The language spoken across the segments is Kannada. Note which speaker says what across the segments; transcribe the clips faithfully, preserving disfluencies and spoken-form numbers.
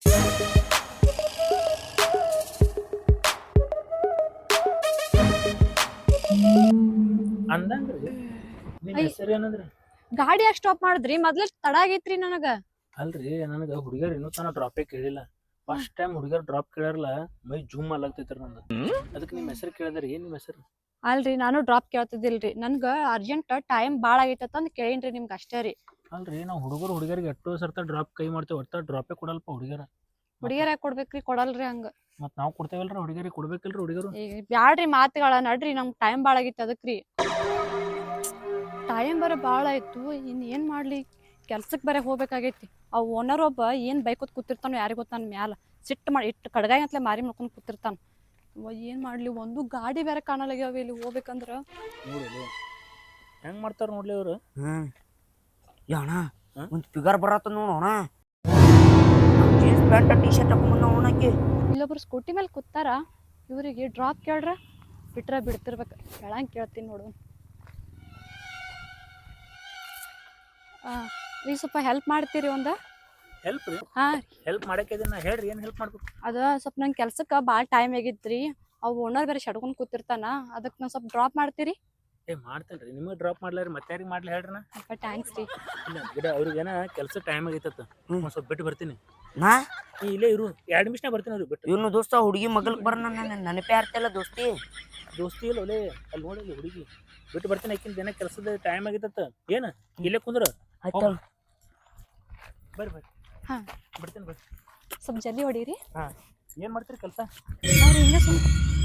Speaker 1: ಅಂದಂಗ್ರಿ ನಿಮ್
Speaker 2: ಐ
Speaker 1: ಹೆಸರು ಏನಂದ್ರಿ?
Speaker 2: ಗಾಡಿ ಯಾಕೆ ಸ್ಟಾಪ್ ಮಾಡಿದ್ರಿ? ಮೊದ್ಲ ತಡ ಆಗೈತ್ರಿ ನನಗ.
Speaker 1: ಅಲ್ರಿ ನನಗ ಹುಡುಗರ್ ಇನ್ನೂ ತನ ಡ್ರಾಪೇ ಕೇಳಿಲ್ಲ. ಫಸ್ಟ್ ಟೈಮ್ ಹುಡುಗರ್ ಡ್ರಾಪ್ ಕೇಳಾರಲ್ಲ ಮೈ ಜೂಮ್ ಅಲ್ಲಾಗ್ತೈತ್ರಿ ನಂದು. ಅದಕ್ಕೆ ನಿಮ್ ಹೆಸರು ಕೇಳಿದ್ರಿ. ಏನ್ ನಿಮ್ ಹೆಸರು?
Speaker 2: ಅಲ್ರಿ ನಾನು ಡ್ರಾಪ್ ಕೇಳ್ತಿದ್ದಿಲ್ರಿ, ನನ್ಗ ಅರ್ಜೆಂಟ್ ಟೈಮ್ ಭಾಳ ಆಗೈತಂತ ಅಂದ್ ಕೇಳೇನ್ರಿ ನಿಮ್ಗೆ ಅಷ್ಟೇ ರೀ.
Speaker 1: ಅಲ್ರಿ ನಾವು ಹುಡುಗರು ಹುಡುಗರಿಗೆ ಎಷ್ಟೋ ಸರ್ತ ಡ್ರಾಪ್ ಕೈ ಮಾಡ್ತೇವೆ, ಒಟ್ಟ ಡ್ರಾಪೇ ಕೊಡಲ್ಪ ಹುಡುಗರ.
Speaker 2: ಹುಡುಗಿಯರ್ ಯಾಕೆ ಕೊಡ್ಬೇಕ್ರಿ? ಕೊಡಲ್ರಿ ಹಂಗ.
Speaker 1: ಮತ್ ನಾವ್ ಕೊಡ್ತೇವಲ್ರಿ ಹುಡುಗರಿಗೆ, ಕೊಡ್ಬೇಕಲ್ರಿ ಹುಡುಗರು.
Speaker 2: ಈಗ ಬ್ಯಾಡ್ರಿ ಮಾತುಗಳ, ನಡ್ರಿ ನಮ್ಗೆ ಟೈಮ್ ಭಾಳ ಆಗೈತಿ ಅದಕ್ರಿ. ಟೈಮ್ ಬರೋ ಭಾಳ ಆಯ್ತು, ಇನ್ ಏನ್ ಮಾಡ್ಲಿ? ಕೆಲ್ಸಕ್ಕೆ ಬರೇ ಹೋಗ್ಬೇಕಾಗೈತಿ. ಆ ಓನರ್ ಒಬ್ಬ ಏನ್ ಬೈಕೋತ್ ಕೂತಿರ್ತಾನೋ ಯಾರಿಗ್ ಗೊತ್ತ, ನನ್ ಮ್ಯಾಲ ಸಿಟ್ಟು ಮಾಡಿ ಇಟ್ಟು ಕಡ್ಗಾಯಿ ಅಂತಲೇ ಮಾರಿ ಮಾಡ್ಕೊಂಡು ಕೂತಿರ್ತಾನ. ಏನ್ ಮಾಡ್ಲಿ? ಒಂದು ಗಾಡಿ ಬೇರೆ ಕಾಣಲಾಗ್ಯಾವ ಇಲ್ಲಿ ಹೋಗ್ಬೇಕಂದ್ರ.
Speaker 1: ನೋಡಿ ಹೆಂಗ್ ಮಾಡ್ತಾರ ನೋಡ್ಲಿ ಅವ್ರು.
Speaker 3: ಹ್ಮ್ ಅಣ್ಣ ಒಂದು ಫಿಗರ್ ಬರತ್ತ ನೋಡೋಣ. ಜೀನ್ಸ್ ಪ್ಯಾಂಟ್ ಟಿ ಶರ್ಟ್ ಹಾಕೊಂಡ್ ಅವನಕ್ಕೆ
Speaker 2: ಇಲ್ಲೊಬ್ರು ಸ್ಕೂಟಿ ಮೇಲೆ ಕೂತಾರ. ಇವರಿಗೆ ಡ್ರಾಪ್ ಕೇಳ್ರ ಬಿಟ್ರ ಬಿಡ್ತಿರ್ಬೇಕು. ಹೇಳಂಗೆ ಕೇಳ್ತೀನಿ ನೋಡು. ರೀ ಸ್ವಲ್ಪ ಹೆಲ್ಪ್ ಮಾಡ್ತೀರಿ ಒಂದ?
Speaker 1: ಹೆಲ್ಪ್ ರೀ?
Speaker 2: ಹಾ
Speaker 1: ಹೆಲ್ಪ್ ಮಾಡಕ್ಕೆ ಇದನ್ನ ಹೇಳ್ರಿ, ಏನ್ ಹೆಲ್ಪ್ ಮಾಡ್ಬೇಕು?
Speaker 2: ಅದ ಸ್ವಲ್ಪ ನಂಗೆ ಕೆಲ್ಸಕ್ಕೆ ಭಾಳ ಟೈಮ್ ಆಗಿತ್ರಿ. ಅವು ಓನರ್ ಬೇರೆ ಶಡ್ಕೊಂಡ್ ಕೂತಿರ್ತಾನ, ಅದಕ್ಕೆ ನಾವು ಸ್ವಲ್ಪ ಡ್ರಾಪ್ ಮಾಡ್ತೀರಿ?
Speaker 1: ಏ ಮಾಡ್ತೇನ್ರಿ, ನಿಮಗೆ ಡ್ರಾಪ್ ಮಾಡ್ಲಾರಿ ಮತ್ತೆ ಯಾರಿಗೆ ಮಾಡ್ಲಿ ಹೇಳ್ರಿ. ನಾ
Speaker 2: ಸ್ವಲ್ಪ ಥ್ಯಾಂಕ್ಸ್ ರೀ.
Speaker 1: ಇಲ್ಲ ಗಿಡ ಅವ್ರಿಗೇನ ಕೆಲಸ ಟೈಮ್ ಆಗೈತತ್ತ, ಒಂದ್ ಸ್ವಲ್ಪ ಬಿಟ್ಟು ಬರ್ತೀನಿ.
Speaker 3: ನಾ
Speaker 1: ನೀ ಇಲ್ಲೇ ಇರು, ಎರಡು ನಿಮಿಷ ಬರ್ತೀನಿ ಅವ್ರಿಗೆ ಬಿಟ್ಟು.
Speaker 3: ಇವನು ದೋಸ್ತ ಹುಡುಗಿ ಮಗಲ್ಕ್ ಬರ ನನ್ನ ನೆನಪೇ ಆಗ್ತಿಲ್ಲ ದೋಸ್ತಿ.
Speaker 1: ದೋಸ್ತಿ ಇಲ್ಲ ಒಲೆ, ಅಲ್ಲಿ ನೋಡಲಿ ಹುಡುಗಿ ಬಿಟ್ಟು ಬರ್ತೀನಿ. ಆಕಿನ ದಿನ ಕೆಲಸದ ಟೈಮ್ ಆಗೈತತ್ತ. ಏನ ಇಲ್ಲೇ ಕುಂದ್ರ
Speaker 3: ಆಯ್ತು
Speaker 1: ಬರ್ರಿ ಬರ್ರಿ.
Speaker 2: ಹಾ
Speaker 1: ಬಿಡ್ತೀನಿ ಬರ್ರಿ.
Speaker 2: ಸ್ವಲ್ಪ ಜಲ್ದಿ ಹೊಡೀರಿ.
Speaker 1: ಹಾ ಏನ್ ಮಾಡ್ತೀರಿ ಕೆಲಸ?
Speaker 2: ಅವ್ರು ಹಿಂಗೆ ಸುಮ್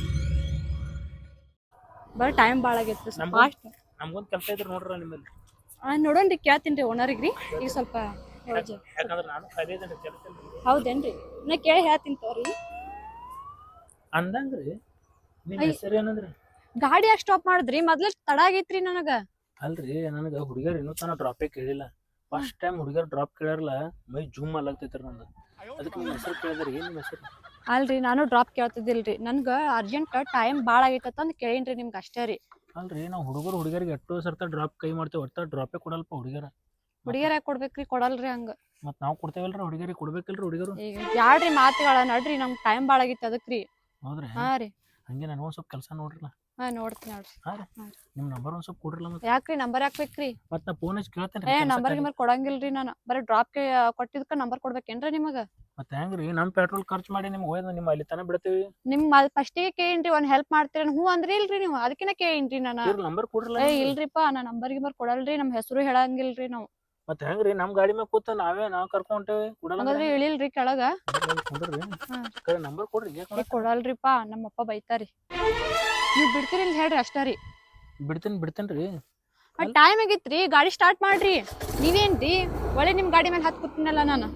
Speaker 2: ಬರೀ ಟೈಮ್ ಭಾಳ ಆಗೈತಿ. ಫಾಸ್ಟ್
Speaker 1: ನಮ್ಗೊಂದು ಕೆಲಸ ಇದ್ರೆ ನೋಡ್ರ ನಿಮ್ಮಲ್ಲಿ.
Speaker 2: ನೋಡೋಣ್ರಿ, ಕೇಳ್ತೀನಿ ರೀ ಓನರಿಗೆ ರೀ. ಈಗ ಸ್ವಲ್ಪ
Speaker 1: ಯಾಕಂದ್ರೆ ನಾನು ಕಲಿಯೋದ್ರಿ ಕೆಲಸ.
Speaker 2: ಹೌದೇನ್ರಿ? ನಾ ಕೇಳಿ ಹೇಳ್ತೀನಿ ತೋರಿ.
Speaker 1: ಅಂದಂಗ್ರಿ ನಿಮ್ ಹೆಸರು ಏನಂದ್ರಿ?
Speaker 2: ಗಾಡಿ ಯಾಕೆ ಸ್ಟಾಪ್ ಮಾಡಿದ್ರಿ? ಮೊದ್ಲ ತಡ ಆಗೈತ್ರಿ ನನಗ.
Speaker 1: ಅಲ್ರಿ ನನಗ ಹುಡುಗರ್ ಇನ್ನೂ ತನ ಡ್ರಾಪೇ ಕೇಳಿಲ್ಲ. ಫಸ್ಟ್ ಟೈಮ್ ಹುಡುಗರ್ ಡ್ರಾಪ್ ಕೇಳಾರಲ್ಲ ಮೈ ಜೂಮ್ ಅಲ್ಲಾಗ್ತೈತ್ರಿ ನಂದು. ಅದಕ್ಕೆ ನಿಮ್ ಹೆಸರು ಕೇಳಿದ್ರಿ. ಏನ್ ನಿಮ್ ಹೆಸರು?
Speaker 2: ಅಲ್ರಿ ನಾನು ಡ್ರಾಪ್ ಕೇಳ್ತಿದ್ದಿಲ್ರಿ, ನನ್ಗ ಅರ್ಜೆಂಟ್ ಟೈಮ್ ಭಾಳ ಆಗೈತಂತ ಅಂದ್ ಕೇಳೇನ್ರಿ ನಿಮ್ಗೆ ಅಷ್ಟೇ ರೀ.
Speaker 1: ಅಲ್ರಿ ನಾವು ಹುಡುಗರು ಹುಡುಗರಿಗೆ ಎಷ್ಟೋ ಸರ್ತ ಡ್ರಾಪ್ ಕೈ ಮಾಡ್ತೇವೆ, ಒಟ್ಟ ಡ್ರಾಪೇ ಕೊಡಲ್ಪ ಹುಡುಗರ.
Speaker 2: ಹುಡುಗಿಯರ್ ಯಾಕೆ ಕೊಡ್ಬೇಕ್ರಿ? ಕೊಡಲ್ರಿ ಹಂಗ.
Speaker 1: ಮತ್ ನಾವ್ ಕೊಡ್ತೇವಲ್ರಿ ಹುಡುಗರಿಗೆ, ಕೊಡ್ಬೇಕಲ್ರಿ ಹುಡುಗರು.
Speaker 2: ಈಗ ಬ್ಯಾಡ್ರಿ ಮಾತುಗಳ, ನಡ್ರಿ ನಮ್ಗೆ ಟೈಮ್ ಭಾಳ ಆಗೈತಿ ಅದಕ್ರಿ.
Speaker 1: ಹೌದ್ರಿ?
Speaker 2: ಹಾ ರೀ.
Speaker 1: ಹಂಗೆ ನನಗೆ ಒಂದ್ ಸ್ವಲ್ಪ ಕೆಲಸ ನೋಡ್ರಲ್ಲ.
Speaker 2: ಹಾ ನೋಡ್ತೀನಿ ನೋಡ್ರಿ.
Speaker 1: ಹಾ ರೀ, ನಿಮ್ ನಂಬರ್ ಒಂದ್ ಸ್ವಲ್ಪ ಕೊಡ್ರಲ್ಲ. ಮತ್ತೆ
Speaker 2: ಯಾಕ್ರಿ ನಂಬರ್ ಯಾಕ್ಬೇಕ್ರಿ?
Speaker 1: ಮತ್ ನಾ ಫೋನ್ ಹಚ್ಚಿ ಕೇಳ್ತೇನೆ.
Speaker 2: ಏ ನಂಬರ್ ಗಿಂಬರ್ ಕೊಡಂಗಿಲ್ರಿ ನಾನು. ಬರೀ ಡ್ರಾಪ್ ಕೊಟ್ಟಿದ್ಕ ನಂಬರ್ ಕೊಡ್ಬೇಕೇನ್ರಿ ನಿಮಗ?
Speaker 1: ಮತ್ತೆ ಹೆಂಗ್ರಿ ನಮ್ ಪೆಟ್ರೋಲ್ ಖರ್ಚು ಮಾಡಿ ನಿಮ್ಗೆ ಹೋಯ್ದ ನಿಮ್ಮ ಅಲ್ಲಿ ತನ ಬಿಡ್ತೀವಿ.
Speaker 2: ನಿಮ್ ಫಸ್ಟಿಗೆ ಕೇಳೇನ್ರಿ, ಒಂದ್ ಹೆಲ್ಪ್ ಮಾಡ್ತೀರಿ ಹ್ಞೂ ಅಂದ್ರಿ ಇಲ್ರಿ ನೀವು? ಅದಕ್ಕಿನ ಕೇಳೇನ್ರಿ ನಾನು.
Speaker 1: ನಂಬರ್ ಕೊಡ್ರಲ್ಲ.
Speaker 2: ಏ ಇಲ್ರಿಪಾ, ನಾ ನಂಬರ್ ಗಿಂಬರ್ ಕೊಡಲ್ರಿ, ನಮ್ ಹೆಸರು ಹೇಳಂಗಿಲ್ರಿ ನಾವು.
Speaker 1: ಮತ್ತೆ ಹೆಂಗ್ರಿ ನಮ್ ಗಾಡಿ ಮ್ಯಾಗ ಕೂತ ನಾವೇ ನಾವ್ ಕರ್ಕೊಂಟೇವಿ,
Speaker 2: ಹಂಗಾದ್ರೆ ಇಳಿಲ್ರಿ ಕೆಳಗ?
Speaker 1: ನಂಬರ್ ಕೊಡ್ರಿ.
Speaker 2: ಕೊಡಲ್ರಿಪಾ, ನಮ್ಮಪ್ಪ ಬೈತಾರಿ. ನೀವ್ ಬಿಡ್ತೀರಿ ಇಲ್ಲ ಹೇಳ್ರಿ ಅಷ್ಟ ರೀ.
Speaker 1: ಬಿಡ್ತೀನಿ ಬಿಡ್ತೇನ್ರಿ.
Speaker 2: ಟೈಮ್ ಆಗಿತ್ರಿ, ಗಾಡಿ ಸ್ಟಾರ್ಟ್ ಮಾಡ್ರಿ. ನೀವೇನ್ರಿ ಒಳ್ಳೆ ನಿಮ್ ಗಾಡಿ ಮೇಲೆ ಹತ್ ಕೂತೀನಲ್ಲ ನಾನು.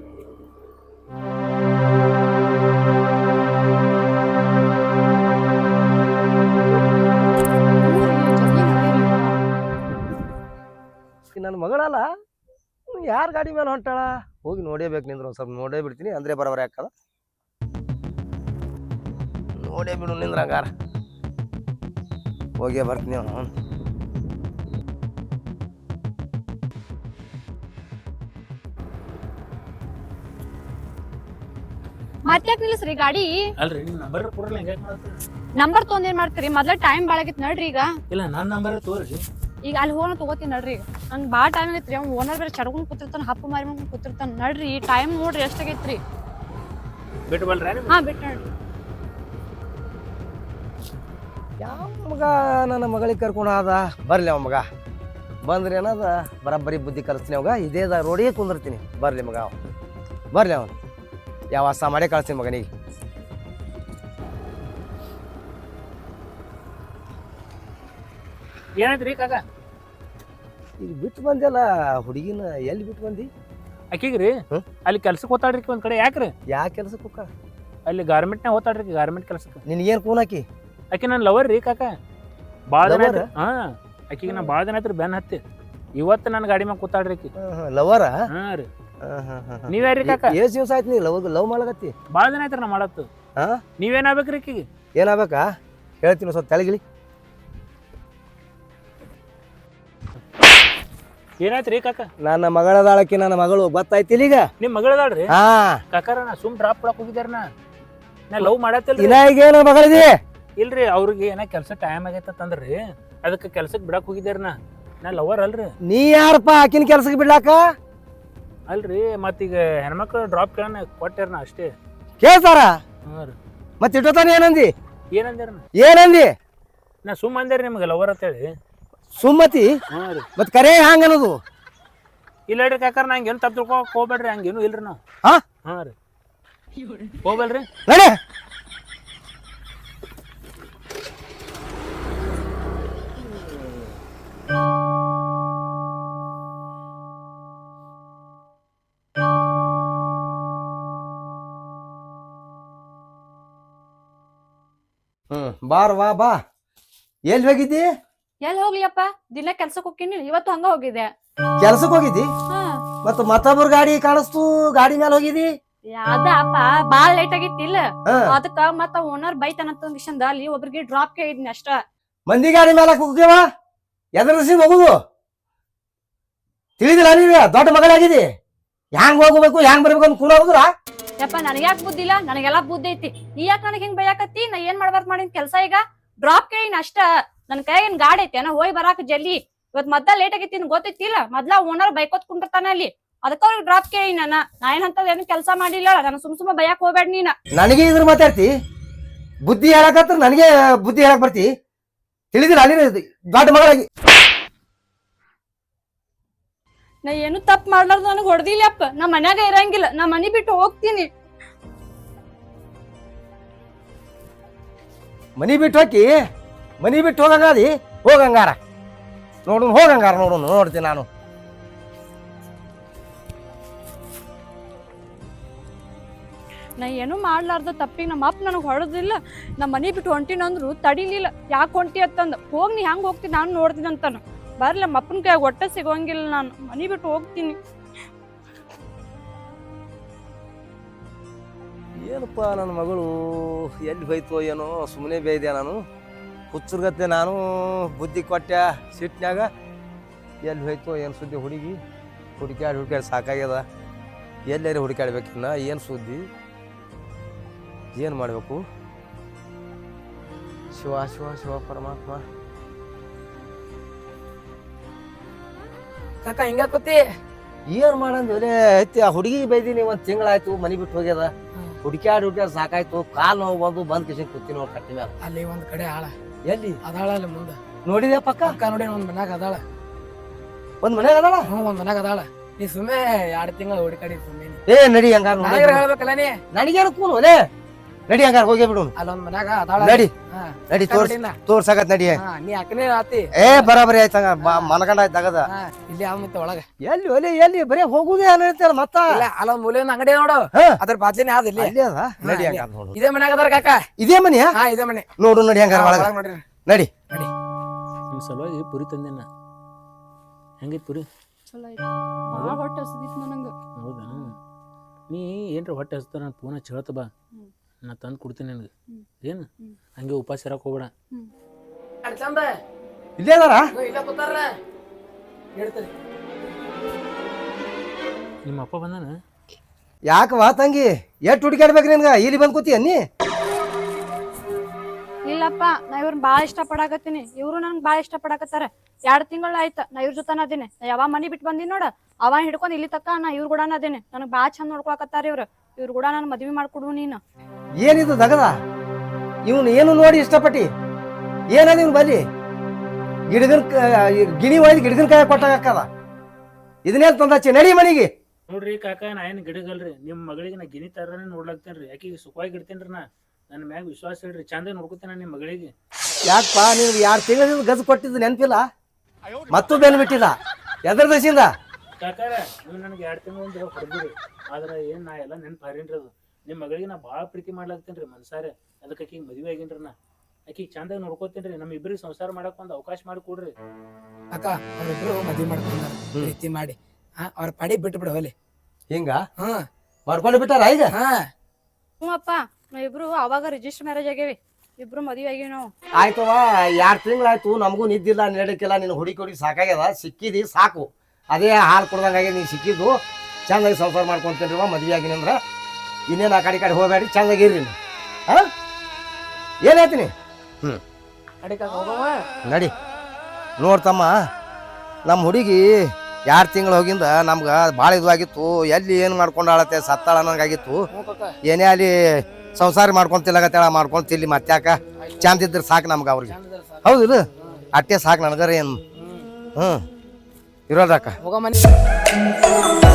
Speaker 4: ನನ್ನ ಮಗಳಲ್ಲ, ಯಾರ ಗಾಡಿ ಮೇಲೆ ಹೊಂಟಾಳ? ಹೋಗಿ ನೋಡೇಬೇಕು ನಿಂದ್ರ ಒಂದು ಸ್ವಲ್ಪ ನೋಡೇ ಬಿಡ್ತೀನಿ, ಅಂದ್ರೆ ಬರೋಬರ ಯಾಕದ ನೋಡೇ ಬಿಡು ನಿಂದ್ರ. ಹಂಗಾರ ಹೋಗೇ ಬರ್ತೀನಿ. ಅವನು
Speaker 2: ಮತ್ತೆ ನಿಲ್ಲಿಸ್ರಿ ಗಾಡಿ.
Speaker 1: ಅಲ್ರಿ ನಿಮ್ ನಂಬರ್ ಕೊಡ್ರಲ್ಲ. ಹೆಂಗ್ ಮಾಡ್ತೀರಿ?
Speaker 2: ನಂಬರ್ ತೊಗೊಂಡ್ ಏನ್ ಮಾಡ್ತೀರಿ? ಮೊದ್ಲ ಟೈಮ್ ಭಾಳ ಆಗೈತಿ ನಡ್ರಿ. ಈಗ
Speaker 1: ಇಲ್ಲ ನನ್ನ ನಂಬರ್ ತೋರಿ.
Speaker 2: ಈಗ ಅಲ್ಲಿ ಹೋಗೋಣ ತಗೋತೀನಿ ನಡ್ರಿ. ಈಗ ನಂಗೆ ಭಾಳ ಟೈಮ್ ಆಗೈತ್ರಿ. ಅವ್ನು ಓನರ್ ಬೇರೆ ಚಡ್ಕೊಂಡ್ ಕೂತಿರ್ತಾನ, ಹಪ್ಪು ಮಾರಿ ಮಾಡ್ಕೊಂಡು ಕೂತಿರ್ತಾನ. ನಡ್ರಿ ಟೈಮ್ ನೋಡ್ರಿ ಎಷ್ಟಾಗೈತ್ರಿ.
Speaker 1: ಬಿಟ್ಟು ಬಲ್ರಿ?
Speaker 2: ಹಾ ಬಿಟ್ಟು ನಡ್ರಿ.
Speaker 4: ಯಾವ ಮಗ ನನ್ನ ಮಗಳಿಗೆ ಕರ್ಕೊಂಡು ಆದ? ಬರ್ಲಿ ಅವ ಮಗ ಬಂದ್ರಿ ಅನ್ನೋದ ಬರಬ್ಬರಿ ಬುದ್ಧಿ ಕಲಿಸ್ತೀನಿ ಅವಾಗ. ಇದೇದ ರೋಡಿಗೆ ಕುಂದಿರ್ತೀನಿ. ಬರ್ಲಿ ಮಗ ಅವ, ಬರ್ಲಿ ಅವನು. ಯಾವ ವಾಸ ಮಾಡೇ ಕಳಿಸ್ತೀನಿ ಮಗನಿಗೆ.
Speaker 1: ಏನಾಯ್ತ್ರಿ ಕಾಕ?
Speaker 4: ಈಗ ಬಿಟ್ಟು ಬಂದೆಲ್ಲ ಹುಡುಗಿನ. ಎಲ್ಲಿ ಬಿಟ್ಟು ಬಂದಿ?
Speaker 1: ಆಕಿಗ್ರಿ ಅಲ್ಲಿ ಕೆಲ್ಸಕ್ಕೆ ಹೋತಾಡ್ರಿ ಒಂದ್ ಕಡೆ. ಯಾಕ್ರಿ?
Speaker 4: ಯಾ ಕೆಲ್ಸಕ್ಕೆ ಹೋಗ?
Speaker 1: ಅಲ್ಲಿ ಗಾರ್ಮೆಂಟ್ನಾಗ ಹೋತಾಡ್ರಿ, ಗಾರ್ಮೆಂಟ್ ಕೆಲ್ಸಕ್ಕೆ.
Speaker 4: ನಿನಗೇನು ಕೂನ್ ಹಾಕಿ?
Speaker 1: ಆಕಿ ನನ್ ಲವರ್ ರೀ ಕಾಕ. ಭಾಳ ದಿನ ಆಯ್ತು. ಹಾ ಆಕಿಗೆ ನಾ ಭಾಳ ದಿನ ಆಯ್ತು ಬೆನ್ ಹತ್ತಿ. ಇವತ್ತು ನನ್ನ ಗಾಡಿ ಮ್ಯಾಗ ಕೂತಾಡ್ರಿ ಆಕಿ.
Speaker 4: ಲವರ?
Speaker 1: ಹಾ ರೀ. ನೀವ್ಯಾರ್ರಿ ಕಾಕ?
Speaker 4: ಎಷ್ಟು ದಿವಸ ಆಯ್ತು ನೀ ಲವ್ ಲವ್ ಮಾಡಕತ್ತಿ?
Speaker 1: ಭಾಳ ದಿನ ಆಯ್ತು ನಾ ಮಾಡತ್ತು.
Speaker 4: ಹಾ
Speaker 1: ನೀವೇನಾಗ್ಬೇಕ್ರಿ ಆಕಿಗೆ?
Speaker 4: ಏನಾಗ್ಬೇಕಾ ಹೇಳ್ತೀನಿ, ಸ್ವಲ್ಪ ತೆಳಗಿಳಿ.
Speaker 1: ಏನಾಯ್ತ್ರಿ ಕಾಕ?
Speaker 4: ನನ್ನ ಮಗಳದಾಳಕಿ ನನ್ನ ಮಗಳು ಗೊತ್ತಾಯ್ತಿಲ್ಲ ಈಗ.
Speaker 1: ನಿಮ್ ಮಗಳದಾಳ್ರಿ?
Speaker 4: ಹಾ
Speaker 1: ಕಾಕಾರ ನಾ ಸುಮ್ ಡ್ರಾಪ್ ಕೊಡಕ್ ಹೋಗಿದ್ದಾರ ನಾ ನಾ ಲವ್ ಮಾಡತ್ತಿಲ್ರಿ.
Speaker 4: ಇನ್ನ ಈಗೇನು ಮಗಳಿದಿ?
Speaker 1: ಇಲ್ರಿ ಅವ್ರಿಗೆ ಏನ ಕೆಲ್ಸ ಟೈಮ್ ಆಗೈತಂದ್ರಿ ಅದಕ್ಕೆ ಕೆಲ್ಸಕ್ ಬಿಡಾಕ್ ಹೋಗಿದ್ದಾರ ನಾ ನಾ ಲವರ್ ಅಲ್ರಿ.
Speaker 4: ನೀ ಯಾರಪ್ಪ ಆಕಿನ ಕೆಲ್ಸಕ್ಕೆ ಬಿಡ್ಲಾಕ?
Speaker 1: ಅಲ್ರಿ ಮತ್ತೀಗ ಹೆಣ್ಮಕ್ಳು ಡ್ರಾಪ್ ಕೇಳನ ಕೊಟ್ಟಾರ ನಾ ಅಷ್ಟೇ.
Speaker 4: ಕೇಳ್ತಾರ
Speaker 1: ಹಾ ರೀ.
Speaker 4: ಮತ್ತೆ ಇಟ್ಟೋತಾನ ಏನಂದಿ?
Speaker 1: ಏನಂದ್ಯಾರ ನಾ?
Speaker 4: ಏನಂದಿ?
Speaker 1: ನಾ ಸುಮ್ ಅಂದೇರಿ ನಿಮ್ಗೆ ಲವರ್ ಅಂತೇಳಿ.
Speaker 4: ಸುಮ್ಮತಿ
Speaker 1: ಹಾ ರೀ.
Speaker 4: ಮತ್ ಕರೆ ಹಂಗ ಅನ್ನೋದು?
Speaker 1: ಇಲ್ಲ ಹೇಳ್ರಿ ಕಾಕಾರ ನಂಗೆ ಏನು ತಪ್ಪು ತಿಳ್ಕೊಕ್ ಹೋಗ್ಬೇಡ್ರಿ, ಹಂಗೇನು ಇಲ್ರಿ ನಾವು.
Speaker 4: ಹಾ
Speaker 1: ಹಾ ರೀ ಹೋಗ್ಬೇಡ್ರಿ.
Speaker 4: ನಡೆ. ಹ್ಮ್ ಬಾರ್ ವಾ ಬಾ. ಎಲ್ಲಿ ಹೋಗಿದ್ದಿ?
Speaker 2: ಎಲ್ಲಿ ಹೋಗ್ಲಿಯಪ್ಪ, ದಿನ ಕೆಲ್ಸಕ್ಕೆ ಹೋಗ್ತೀನಿ. ಇವತ್ತು ಹಂಗ ಹೋಗಿದ್ದೆ.
Speaker 4: ಕೆಲ್ಸಕ್ಕೆ ಹೋಗಿದ್ದಿ?
Speaker 2: ಹಾ
Speaker 4: ಮತ್ತ ಮತ್ತೊಬ್ಬರ ಗಾಡಿ ಕಾಣಿಸ್ತು, ಗಾಡಿ ಮೇಲೆ ಹೋಗಿದಿ?
Speaker 2: ಅದ ಅಪ್ಪ ಬಾಳ್ ಲೇಟ್ ಆಗಿತ್ತಿಲ್ಲ,
Speaker 4: ಹಾ.
Speaker 2: ಅದಕ್ಕ ಮತ್ತ ಓನರ್ ಬೈತಾನಂತ ಅಲ್ಲಿ ಒಬ್ರಿಗೆ ಡ್ರಾಪ್ ಕೇಳಿದ್ನಿ ಅಷ್ಟ.
Speaker 4: ಮಂದಿ ಗಾಡಿ ಮೇಲೆ ಹೋಗ್ಯವ ಎದರ್ಸಿ ಹೋಗುದು ತಿಳಿದಿಲ್ಲ ನೀವ? ದೊಡ್ಡ ಮಗಳಾಗಿದಿ, ಹ್ಯಾಂಗ್ ಹೋಗ್ಬೇಕು ಹ್ಯಾಂಗ್ ಬರ್ಬೇಕು ಅಂತ ಕೂಡ ಹೋಗುದ್ರ?
Speaker 2: ಯಪ್ಪ ನನಗ್ಯಾಕ್ ಬುದ್ಧಿ ಇಲ್ಲ, ನನಗೆಲ್ಲಾ ಬುದ್ಧಿ ಐತಿ. ನೀ ಯಾಕೆ ನನಗೆ ಹಿಂಗ್ ಬೈಯಾಕತ್ತಿ? ನಾ ಏನ್ ಮಾಡ್ಬಾರ್ದು ಮಾಡಿನ ಕೆಲ್ಸ? ಈಗ ಡ್ರಾಪ್ ಕೇಳಿನ ಅಷ್ಟ. ನನ್ ಕೈಯಾಗ ಏನ್ ಗಾಡಿ ಐತಿ ನಾ ಹೋಗಿ ಬರಾಕ ಜಲ್ದಿ. ಇವತ್ ಮೊದ್ಲ ಲೇಟ್ ಆಗೈತಿ ಗೊತ್ತೈತಿಲ್ಲ, ಮೊದ್ಲ ಓನರ್ ಬೈಕೋತ್ ಕುಂಡಿರ್ತಾನ ಅಲ್ಲಿ, ಅದಕ್ಕ ಅವ್ರಿಗೆ ಡ್ರಾಪ್ ಕೇಳಿ ನಾನ ನಾ ಏನಂತದ ಏನು ಕೆಲಸ ಮಾಡಿಲ್ಲ. ನಾನು ಸುಮ್ ಸುಮ್ಮ ಬೈಯಾಕ್ ಹೋಗ್ಬೇಡ ನೀನ.
Speaker 4: ನನಗೆ ಇದ್ರ ಮಾತಾಡ್ತಿ? ಬುದ್ಧಿ ಹೇಳಕತ್ರ ನನಗೆ ಬುದ್ಧಿ ಹೇಳಕ್ ಬರ್ತಿ? ತಿಳಿದಿಲ್ಲ ನೀನು ದೊಡ್ಡ ಮಗಳಾಗಿ?
Speaker 2: ನಾ ಏನು ತಪ್ಪು ಮಾಡ್ಲಾರ್ದು ನನಗ್ ಹೊಡೆದಿಲ್ಲಪ್ಪ. ನಾ ಮನ್ಯಾಗ ಇರಂಗಿಲ್ಲ, ನಾ ಮನಿ ಬಿಟ್ಟು ಹೋಗ್ತೀನಿ.
Speaker 4: ಮನಿ ಬಿಟ್ಟು ಹೋಗಿ ಮನಿ ಬಿಟ್ಟು ಹೋಗಂಗಾದಿ? ಹೋಗಂಗಾರ ನೋಡು, ಹೋಗಂಗಾರ ನೋಡು, ನೋಡ್ತೀನಿ ನಾನು.
Speaker 2: ನಾ ಏನು ಮಾಡ್ಲಾರ್ದ ತಪ್ಪಿಗೆ ನಮ್ಮ ಅಪ್ಪ ನನಗ್ ಹೊಡೆದಿಲ್ಲ. ನಾ ಮನಿ ಬಿಟ್ಟು ಹೊಂಟಿನಂದ್ರು ತಡಿಲಿಲ್ಲ. ಯಾಕೆ ಹೊಂಟಿ ಅಂತಂದ, ಹೋಗ್ ನೀ ಹೆಂಗ್ ಹೋಗ್ತೀನಿ ನಾನು ನೋಡ್ತೀನಿ ಅಂತಾನ. ಬರ್ಲಿ ನಮ್ಮ ಅಪ್ಪನ ಕೈ ಒಟ್ಟ ಸಿಗೋಂಗಿಲ್ಲ, ನಾನು ಮನಿ ಬಿಟ್ಟು ಹೋಗ್ತೀನಿ.
Speaker 4: ಏನಪ್ಪ ನನ್ನ ಮಗಳು ಎಲ್ಲಿ ಹೋಯ್ತು ಏನೋ, ಸುಮ್ಮನೆ ಬೇಯ್ದೆ ನಾನು. ಹುಚ್ಚರ್ಗತ್ತೆ ನಾನು ಬುದ್ಧಿ ಕೊಟ್ಟೆ ಸಿಟ್ನ್ಯಾಗ. ಎಲ್ಲಿ ಹೋಯ್ತು ಏನು ಸುದ್ದಿ? ಹುಡುಗಿ ಹುಡುಕ್ಯಾಡಿ ಹುಡುಕ್ಯಾಡಿ ಸಾಕಾಗ್ಯದ. ಎಲ್ಲಾರು ಹುಡುಕ್ಯಾಡ್ಬೇಕಿನ್ನ ಏನು ಸುದ್ದಿ, ಏನು ಮಾಡಬೇಕು? ಶಿವ ಶಿವ ಶಿವ ಪರಮಾತ್ಮ.
Speaker 3: ಕಾಕ ಹಿಂಗಾಕತಿ?
Speaker 4: ಏನು ಮಾಡಂದ್ ಒಲೆ ಐತಿ. ಆ ಹುಡುಗಿ ಬೈದೀನಿ, ಒಂದು ತಿಂಗಳಾಯ್ತು, ಮನೆ ಬಿಟ್ಟು ಹೋಗ್ಯದ. ಹುಡುಕ್ಯಾಡಿ ಹುಡುಕ್ಯಾಡಿ ಸಾಕಾಯ್ತು, ಕಾಲು ನೋವು ಬಂದು ಬಂದ್ ಕಿಶನ್ ಕೂತೀನಿ ನೋಡಿ ಕಟ್ಟಿ ಮ್ಯಾಲ.
Speaker 3: ಅಲ್ಲಿ ಒಂದ್ ಕಡೆ ಆಳ
Speaker 4: ಎಲ್ಲಿ
Speaker 3: ಅದಾಳ ಅಲ್ಲಿ ಮುಂದ
Speaker 4: ನೋಡಿದೆ ಪಕ್ಕ?
Speaker 3: ಅಕ್ಕ ನೋಡಿ ಒಂದ್ ಮನ್ಯಾಗ ಅದಾಳ.
Speaker 4: ಒಂದ್ ಮನ್ಯಾಗ ಅದಾಳ?
Speaker 3: ಹ್ಞೂ ಒಂದ್ ಮನ್ಯಾಗ ಅದಾಳ. ನೀ ಸುಮ್ಮನೆ ಎರಡ್ ತಿಂಗಳು ಹುಡುಕಾಡಿ ಸುಮ್ಮನೆ
Speaker 4: ಏ ನಡಿ ಹಂಗಾರ.
Speaker 3: ಹೇಳ್ಬೇಕಲ್ಲ ನೀ.
Speaker 4: ನನಗೇನು ಕೂನು ಒಲೆ, ನಡಿ ಹಂಗಾರ ಹೋಗಿ ಬಿಡು.
Speaker 3: ಅಲ್ಲೊಂದ್ ಮನ್ಯಾಗ ಅದಾಳ.
Speaker 4: ನಡಿ
Speaker 3: ಹಾ
Speaker 4: ನಡಿ ತೋರ್ಸ್ ತೋರ್ಸಾಕತ್ ನಡಿ.
Speaker 3: ಹಾ, ನೀ ಅಕ್ಕನೇ ಆತಿ.
Speaker 4: ಏ ಬರಾಬರಿ ಆಯ್ತಂಗ ಮನಗಂಡ ಆಯ್ತು ತಗದ.
Speaker 3: ಹಾ ಇಲ್ಲಿ ಯಾವ ಮತ್ತೆ ಒಳಗ
Speaker 4: ಎಲ್ಲಿ ಒಲೆ ಎಲ್ಲಿ ಬರೀ ಹೋಗುದೇ ಅನ್ನತ್ತಲ್ಲ ಮತ್ತ?
Speaker 3: ಇಲ್ಲ ಅಲ್ಲೊಂದ್ ಮೂಲೆ ಒಂದ್ ಅಂಗಡಿ ನೋಡು,
Speaker 4: ಹಾ.
Speaker 3: ಅದ್ರ ಬಾಜ್ಲಿನೇ ಆದ ಇಲ್ಲಿ.
Speaker 4: ಅಲ್ಲಿ ಅದ ನಡಿ
Speaker 3: ಹಾ,
Speaker 4: ಹಂಗಾರ ನೋಡು.
Speaker 3: ಇದೇ ಮನ್ಯಾಗ ಅದಾರ ಕಾಕ.
Speaker 4: ಇದೇ ಮನೆಯಾ?
Speaker 3: ಹಾ ಇದೇ ಮನೆ
Speaker 4: ನೋಡು ನಡಿ ಹಂಗಾರ ಒಳಗ
Speaker 3: ಒಳಗ್ ನೋಡ್ರಿ.
Speaker 4: ನಡಿ.
Speaker 3: ನಡಿ
Speaker 1: ನಿಮ್ ಸಲುವಾಗಿ ಪುರಿ ತಂದೇನ. ಹೆಂಗೈತ್ ಪುರಿ?
Speaker 2: ಚಲೋ ಐತಿ. ಭಾಳ ಹೊಟ್ಟೆ ಹಸಿದಿತ್ತು ನನಗ.
Speaker 1: ಹೌದಾ? ನೀ ಏನ್ರ ಹೊಟ್ಟೆ ಹಸ್ತ ನಾನು ಪೂನ ಚೇಳ್ತ ಬಾ,
Speaker 2: ಹ್ಮ್.
Speaker 1: ನಾ ತಂದು ಕೊಡ್ತೀನಿ ನಿನಗೆ.
Speaker 2: ಹ್ಮ್.
Speaker 1: ಏನು
Speaker 2: ಹ್ಮ್.
Speaker 1: ಹಂಗೆ ಉಪವಾಸ ಇರಕ್ಕೆ ಹೋಗ್ಬೇಡ.
Speaker 2: ಹ್ಮ್.
Speaker 3: ಅಡ್ ಚಂದ
Speaker 4: ಇಲ್ಲೇ ಅದಾರ?
Speaker 3: ಇಗೋ ಇಲ್ಲ ಕೂತಾರ ಹೇಳ್ತಾರೆ.
Speaker 1: ನಿಮ್ಮ ಅಪ್ಪ ಬಂದಾನ?
Speaker 4: ಯಾಕವಾ ತಂಗಿ ಎಷ್ಟು ಹುಡುಕಾಡ್ಬೇಕು ನಿನ್ಗ? ಇಲ್ಲಿ ಬಂದ್ ಕೂತಿ ಅನ್ನಿ?
Speaker 2: ಇಲ್ಲಪ್ಪ, ನಾ ಇವ್ರನ್ನ ಬಾಳ ಇಷ್ಟ ಪಡಾಕತ್ತೀನಿ, ಇವ್ರು ನನ್ಗೆ ಬಾಳ ಇಷ್ಟ ಪಡಾಕತ್ತಾರ. ಎರಡ್ ತಿಂಗಳ ಆಯ್ತ ನಾ ಇವ್ರ ಜೊತೆನ ಅದೇನೆ. ನಾ ಯಾವ ಮನಿ ಬಿಟ್ಟು ಬಂದಿನಿ ನೋಡ, ಅವ ಹಿಡ್ಕೊಂಡ್ ಇಲ್ಲಿ ತಕ್ಕ ನಾ ಇವ್ರ ಕೂಡ ಅದೇನೆ. ನನಗ್ ಬಾಳ ಚಂದ ನೋಡ್ಕೊಳಕತ್ತಾರ ಇವ್ರು. ಇವ್ರ ಕೂಡ ನಾನು ಮದ್ವಿ ಮಾಡ್ಕೊಡು ನೀನು.
Speaker 4: ಏನಿದು ದಗದ? ಇವನು ಏನು ನೋಡಿ ಇಷ್ಟಪಟ್ಟಿ? ಏನದ ಇವ್ನು ಬಲ್ಲಿ? ಗಿಡಗನ್ ಗಿಣಿ ಒಯ್ದು ಗಿಡಗನ್ ಕಾಯ ಕೊಟ್ಟಾಗಕ್ಕದ. ಇದನ್ನೇನ್ ತಂದಚ್ಚಿ? ನಡಿ ಮನಿಗೆ.
Speaker 1: ನೋಡ್ರಿ ಕಾಕ, ನಾ ಏನು ಗಿಡಗಲ್ರಿ, ನಿಮ್ಮ ಮಗಳಿಗೆ ನಾ ಗಿನಿ ತರನೇ ನೋಡ್ಲಾಕ್ತೇನ್ರಿ. ಆಕಿಗೆ ಸುಖವಾಗಿ ಇಡ್ತೇನ್ರಿ. ನಾ ನನ್ನ ಮ್ಯಾಗ ವಿಶ್ವಾಸ ಹೇಳ್ರಿ, ಚಂದ ನೋಡ್ಕೊತೇನೆ ನಿಮ್ಮ ಮಗಳಿಗೆ.
Speaker 4: ಯಾಕಪ್ಪ ನೀನು ಎರಡು ತಿಂಗಳಿಂದ ಗಜ ಕೊಟ್ಟಿದ್ದು ನೆನಪಿಲ್ಲ? ಮತ್ತೂ ಬೆನ್ ಬಿಟ್ಟಿಲ್ಲ ಎದ್ರ ದಶಿಂದ?
Speaker 1: ಕಾಕಾರ ನೀವು ನನಗೆ ಎರಡು ತಿಂಗಳು ಒಂದು ಹೊಡೆದ್ರಿ, ಆದ್ರೆ ಏನು ನಾ ಎಲ್ಲ ನೆನ್ಪು ಹಾರೇನ್ರಿ. ಅದು ನಿಮ್ಮ ಮಗಳಿಗೆ ನಾ ಭಾಳ ಪ್ರೀತಿ ಮಾಡ್ಲಾಕ್ತೇನ್ರಿ ಮನ್ಸಾರೆ. ಅದಕ್ಕೆ ಆಕಿಗೆ ಮದುವೆ ಆಗೇನ್ರಿ. ನಾ ಆಕಿಗೆ ಚಂದಾಗ ನೋಡ್ಕೋತೇನ್ರಿ. ನಮ್ಮ ಇಬ್ಬರಿಗೆ ಸಂಸಾರ ಮಾಡಕ್ ಒಂದು ಅವಕಾಶ ಮಾಡಿ ಕೊಡ್ರಿ.
Speaker 3: ಅಕ್ಕ ಅವ್ರಿಬ್ರು ಮದ್ವಿ ಮಾಡ್ಕೊಂಡಾರ ಪ್ರೀತಿ ಮಾಡಿ. ಹಾ ಅವ್ರ ಪಡಿ ಬಿಟ್ಟು ಬಿಡು ಅಲ್ಲಿ.
Speaker 4: ಹಿಂಗ
Speaker 3: ಹಾ
Speaker 4: ಮಾಡ್ಕೊಂಡು ಬಿಟ್ಟಾರ ಈಗ?
Speaker 3: ಹಾ
Speaker 2: ಹ್ಞೂ ಅಪ್ಪ, ನಾವ್ ಇಬ್ರು ಅವಾಗ ರಿಜಿಸ್ಟರ್ ಮ್ಯಾರೇಜ್ ಆಗೇವಿ, ಇಬ್ರು ಮದ್ವಿ ಆಗೇವಿ ನಾವು.
Speaker 4: ಆಯ್ತವ, ಎರಡು ತಿಂಗಳಾಯ್ತು, ನಮಗೂ ನಿದ್ದಿಲ್ಲ ನಡಕ್ಕಿಲ್ಲ. ನಿನ್ನ ಹುಡುಕಿ ಹುಡುಗಿ ಸಾಕಾಗ್ಯದ, ಸಿಕ್ಕಿದಿ ಸಾಕು. ಅದೇ ಹಾಲು ಕುಡ್ದಂಗಾಗಿ ನೀನು ಸಿಕ್ಕಿದ್ದು ಚಂದಾಗಿ ಸಂಸಾರ ಮಾಡ್ಕೊಂತೀನಿ ರೀ ಮದುವೆ ಆಗಿನಿ ಅಂದ್ರೆ ಇನ್ನೇನು ಆ ಕಡೆ ಕಡೆ ಹೋಗಬೇಡಿ ಚಂದಾಗಿ ಇರ್ರಿ ನೀವು ಹಾಂ ಏನು ಹೇಳ್ತೀನಿ ಹ್ಞೂ ನಡಿ ನೋಡ್ತಮ್ಮ ನಮ್ಮ ಹುಡುಗಿ ಎರಡು ತಿಂಗಳು ಹೋಗಿಂದ ನಮ್ಗೆ ಭಾಳ ಇದು ಆಗಿತ್ತು ಎಲ್ಲಿ ಏನು ಮಾಡ್ಕೊಂಡಾಳತ್ತೆ ಸತ್ತಾಳ ಅನ್ನಂಗಾಗಿತ್ತು ಏನೇ ಅಲ್ಲಿ ಸಂಸಾರ ಮಾಡ್ಕೊಂತಿಲ್ಲಗತ್ತೇಳ ಮಾಡ್ಕೊಂತಿಲ್ಲಿ ಮತ್ತ್ಯಾಕ ಚಂದ ಇದ್ರೆ ಸಾಕು ನಮ್ಗೆ ಅವ್ರಿಗೆ ಹೌದಿಲ್ಲ ಅಟ್ಟೆ ಸಾಕು ನನಗರ ಏನು ಹ್ಞೂ ಇರೋದಕ್ಕ
Speaker 3: ಹೋಗ ಮನೆ